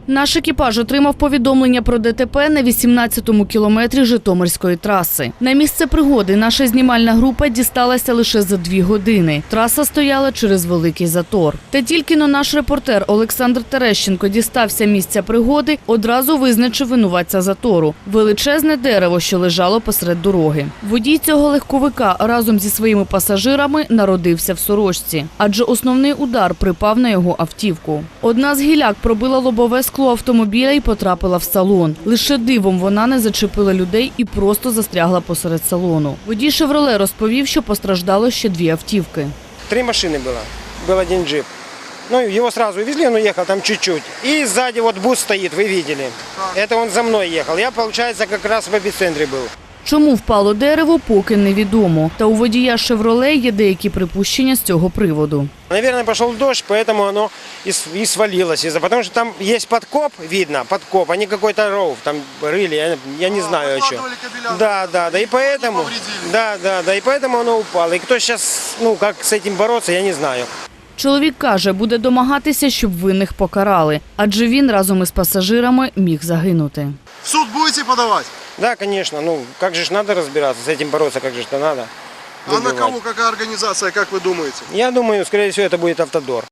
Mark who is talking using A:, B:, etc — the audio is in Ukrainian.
A: Наш екіпаж отримав повідомлення про ДТП на 18-му кілометрі Житомирської траси. На місце пригоди наша знімальна група дісталася лише за 2 години. Траса стояла через великий затор. Та тільки наш репортер Олександр Терещенко дістався місця пригоди, одразу визначив винуватця затору – величезне дерево, що лежало посеред дороги. Водій цього легковика разом зі своїми пасажирами народився в сорочці, адже основний удар припав на його автівку. Одна з гіляк пробила лобове скло автомобіля і потрапила в салон. Лише дивом вона не зачепила людей і просто застрягла посеред салону. Водій «Шевроле» розповів, що постраждало ще 2 автівки.
B: 3 машины было. Был один джип. Ну, его сразу увезли, он уехал там чуть-чуть. И сзади вот бус стоит, вы видели. Это он за мной ехал. Я, получается, как раз в эпицентре был.
A: Чому впало дерево, поки невідомо. Та у водія «Шевроле» є деякі припущення з цього приводу.
B: Наверное, пошел дождь, поэтому оно и свалилось. Потому что там есть подкоп, видно, подкоп, а не какой-то ров. Там рыли, я не знаю еще. Да, и поэтому, и поэтому оно упало. И кто сейчас, как с этим бороться, я не знаю.
A: Чоловік каже, буде домагатися, щоб винних покарали, адже він разом із пасажирами міг загинути.
C: В суд будете подавать?
B: Да, конечно. Как же ж надо разбираться, с этим бороться, как же это надо.
C: А на кого, какая организация, как вы думаете?
B: Я думаю, скорее всего, это будет «Автодор».